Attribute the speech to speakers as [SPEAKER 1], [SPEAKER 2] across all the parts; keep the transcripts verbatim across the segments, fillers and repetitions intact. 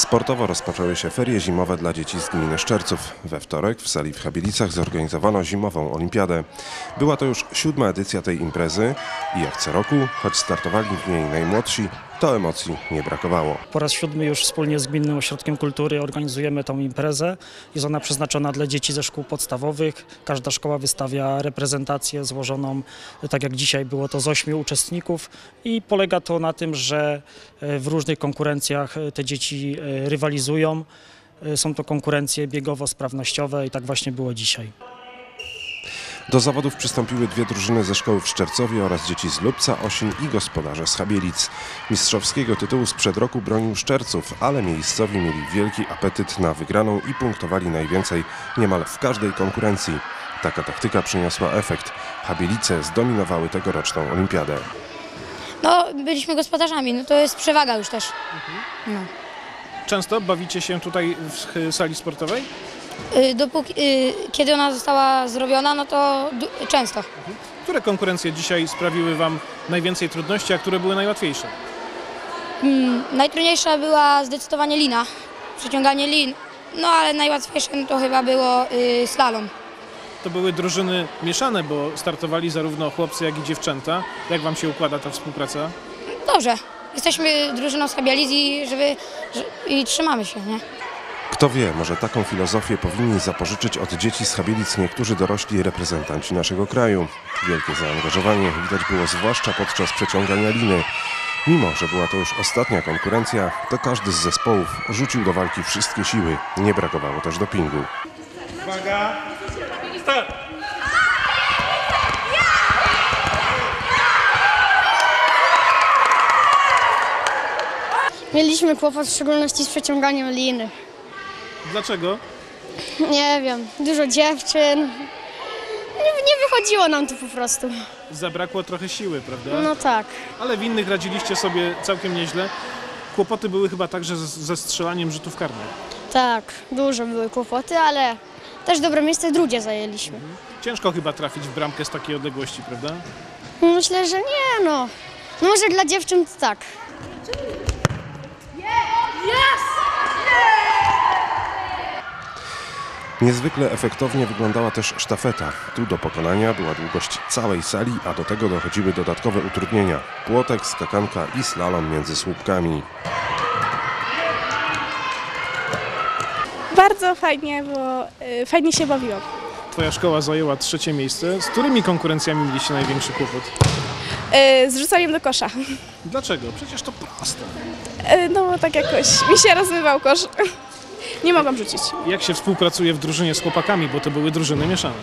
[SPEAKER 1] Sportowo rozpoczęły się ferie zimowe dla dzieci z gminy Szczerców. We wtorek w sali w Chabielicach zorganizowano zimową olimpiadę. Była to już siódma edycja tej imprezy i jak co roku, choć startowali w niej najmłodsi, to emocji nie brakowało.
[SPEAKER 2] Po raz siódmy już wspólnie z Gminnym Ośrodkiem Kultury organizujemy tą imprezę. Jest ona przeznaczona dla dzieci ze szkół podstawowych. Każda szkoła wystawia reprezentację złożoną, tak jak dzisiaj było to, z ośmiu uczestników i polega to na tym, że w różnych konkurencjach te dzieci rywalizują. Są to konkurencje biegowo-sprawnościowe i tak właśnie było dzisiaj.
[SPEAKER 1] Do zawodów przystąpiły dwie drużyny ze szkoły w Szczercowie oraz dzieci z Lubca, Osin i gospodarze z Chabielic. Mistrzowskiego tytułu sprzed roku bronił Szczerców, ale miejscowi mieli wielki apetyt na wygraną i punktowali najwięcej niemal w każdej konkurencji. Taka taktyka przyniosła efekt. Chabielice zdominowały tegoroczną olimpiadę.
[SPEAKER 3] No, byliśmy gospodarzami, no to jest przewaga już też. No.
[SPEAKER 4] Często bawicie się tutaj w sali sportowej?
[SPEAKER 3] Y, Dopóki, y, kiedy ona została zrobiona, no to du- często.
[SPEAKER 4] Które konkurencje dzisiaj sprawiły Wam najwięcej trudności, a które były najłatwiejsze?
[SPEAKER 3] Mm, najtrudniejsza była zdecydowanie lina, przeciąganie lin, no ale najłatwiejsze no to chyba było y, slalom.
[SPEAKER 4] To były drużyny mieszane, bo startowali zarówno chłopcy, jak i dziewczęta. Jak Wam się układa ta współpraca?
[SPEAKER 3] Dobrze, jesteśmy drużyną z Chabielic i, żeby, że, i trzymamy się, nie?
[SPEAKER 1] Kto wie, może taką filozofię powinni zapożyczyć od dzieci z Chabielic niektórzy dorośli reprezentanci naszego kraju. Wielkie zaangażowanie widać było zwłaszcza podczas przeciągania liny. Mimo że była to już ostatnia konkurencja, to każdy z zespołów rzucił do walki wszystkie siły. Nie brakowało też dopingu.
[SPEAKER 4] Uwaga! Start!
[SPEAKER 5] Mieliśmy kłopot w szczególności z przeciąganiem liny.
[SPEAKER 4] Dlaczego?
[SPEAKER 5] Nie wiem, dużo dziewczyn. Nie, nie wychodziło nam to po prostu.
[SPEAKER 4] Zabrakło trochę siły, prawda?
[SPEAKER 5] No tak.
[SPEAKER 4] Ale w innych radziliście sobie całkiem nieźle. Kłopoty były chyba także z- ze strzelaniem rzutów karnych.
[SPEAKER 5] Tak, dużo były kłopoty, ale też dobre miejsce drugie zajęliśmy.
[SPEAKER 4] Ciężko chyba trafić w bramkę z takiej odległości, prawda?
[SPEAKER 5] Myślę, że nie no. No może dla dziewczyn to tak.
[SPEAKER 1] Niezwykle efektownie wyglądała też sztafeta. Tu do pokonania była długość całej sali, a do tego dochodziły dodatkowe utrudnienia. Płotek, skakanka i slalom między słupkami.
[SPEAKER 6] Bardzo fajnie, bo y, fajnie się bawiłam.
[SPEAKER 4] Twoja szkoła zajęła trzecie miejsce. Z którymi konkurencjami mieliście największy kłopot?
[SPEAKER 6] Y, z rzucaniem do kosza.
[SPEAKER 4] Dlaczego? Przecież to proste.
[SPEAKER 6] Y, no bo tak jakoś mi się rozmywał kosz. Nie mogłam rzucić.
[SPEAKER 4] Jak się współpracuje w drużynie z chłopakami, bo to były drużyny mieszane?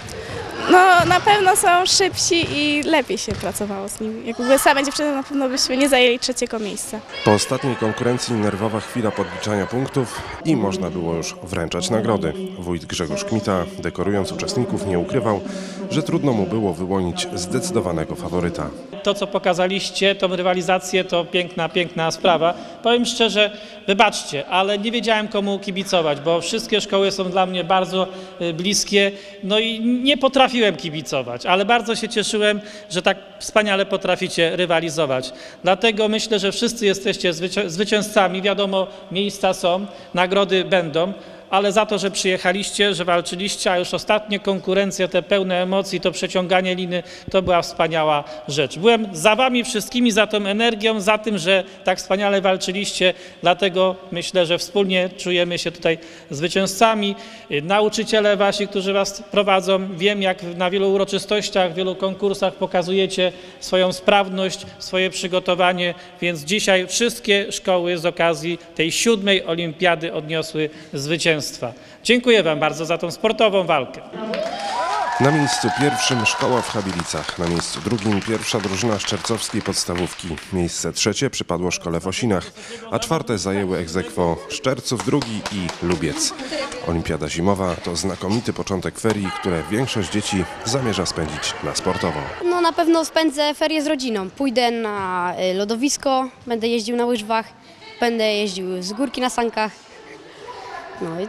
[SPEAKER 6] No na pewno są szybsi i lepiej się pracowało z nimi. Jak były same dziewczyny, na pewno byśmy nie zajęli trzeciego miejsca.
[SPEAKER 1] Po ostatniej konkurencji nerwowa chwila podliczania punktów i można było już wręczać nagrody. Wójt Grzegorz Kmita, dekorując uczestników, nie ukrywał, że trudno mu było wyłonić zdecydowanego faworyta.
[SPEAKER 7] To, co pokazaliście, tą rywalizację, to piękna, piękna sprawa. Powiem szczerze, wybaczcie, ale nie wiedziałem, komu kibicować, bo wszystkie szkoły są dla mnie bardzo y, bliskie, no i nie potrafiłem kibicować, ale bardzo się cieszyłem, że tak wspaniale potraficie rywalizować. Dlatego myślę, że wszyscy jesteście zwycię- zwycięzcami, wiadomo, miejsca są, nagrody będą, ale za to, że przyjechaliście, że walczyliście, a już ostatnie konkurencje, te pełne emocji, to przeciąganie liny, to była wspaniała rzecz. Byłem za wami wszystkimi, za tą energią, za tym, że tak wspaniale walczyliście, dlatego myślę, że wspólnie czujemy się tutaj zwycięzcami. Nauczyciele wasi, którzy was prowadzą, wiem, jak na wielu uroczystościach, w wielu konkursach pokazujecie swoją sprawność, swoje przygotowanie, więc dzisiaj wszystkie szkoły z okazji tej siódmej olimpiady odniosły zwycięstwo. Dziękuję wam bardzo za tą sportową walkę.
[SPEAKER 1] Na miejscu pierwszym szkoła w Chabielicach, na miejscu drugim pierwsza drużyna szczercowskiej podstawówki. Miejsce trzecie przypadło szkole w Osinach, a czwarte zajęły ex aequo Szczerców drugi i Lubiec. Olimpiada zimowa to znakomity początek ferii, które większość dzieci zamierza spędzić na sportowo.
[SPEAKER 3] No na pewno spędzę ferie z rodziną. Pójdę na y, lodowisko, będę jeździł na łyżwach, będę jeździł z górki na sankach. No i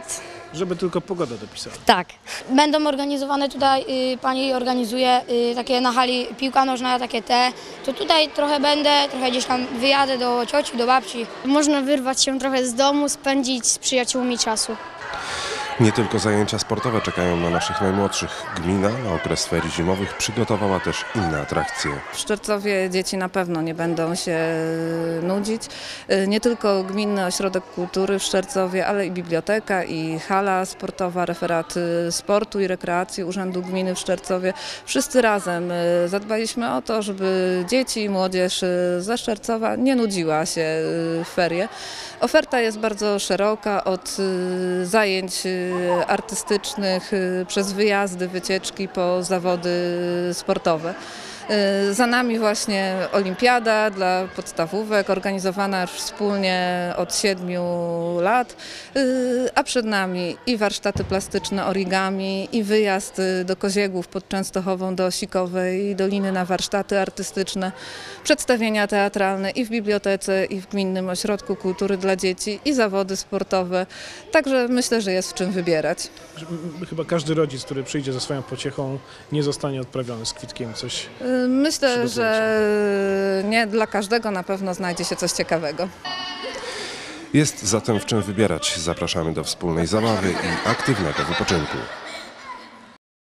[SPEAKER 4] Żeby tylko pogoda dopisała.
[SPEAKER 3] Tak. Będą organizowane tutaj, y, pani organizuje y, takie na hali piłka nożna, takie te. To tutaj trochę będę, trochę gdzieś tam wyjadę do cioci, do babci.
[SPEAKER 5] Można wyrwać się trochę z domu, spędzić z przyjaciółmi czasu.
[SPEAKER 1] Nie tylko zajęcia sportowe czekają na naszych najmłodszych. Gmina na okres ferii zimowych przygotowała też inne atrakcje.
[SPEAKER 8] W Szczercowie dzieci na pewno nie będą się nudzić. Nie tylko Gminny Ośrodek Kultury w Szczercowie, ale i biblioteka, i hala sportowa, referat sportu i rekreacji Urzędu Gminy w Szczercowie. Wszyscy razem zadbaliśmy o to, żeby dzieci i młodzież ze Szczercowa nie nudziła się w ferie. Oferta jest bardzo szeroka, od zajęć artystycznych przez wyjazdy, wycieczki po zawody sportowe. Za nami właśnie olimpiada dla podstawówek, organizowana już wspólnie od siedmiu lat, a przed nami i warsztaty plastyczne origami, i wyjazd do Koziegłów pod Częstochową, do Osikowej, i Doliny na warsztaty artystyczne, przedstawienia teatralne i w bibliotece, i w Gminnym Ośrodku Kultury dla Dzieci, i zawody sportowe. Także myślę, że jest w czym wybierać.
[SPEAKER 4] Chyba każdy rodzic, który przyjdzie ze swoją pociechą, nie zostanie odprawiony z kwitkiem. Coś
[SPEAKER 8] Myślę, że nie dla każdego na pewno znajdzie się coś ciekawego.
[SPEAKER 1] Jest zatem w czym wybierać. Zapraszamy do wspólnej zabawy i aktywnego wypoczynku.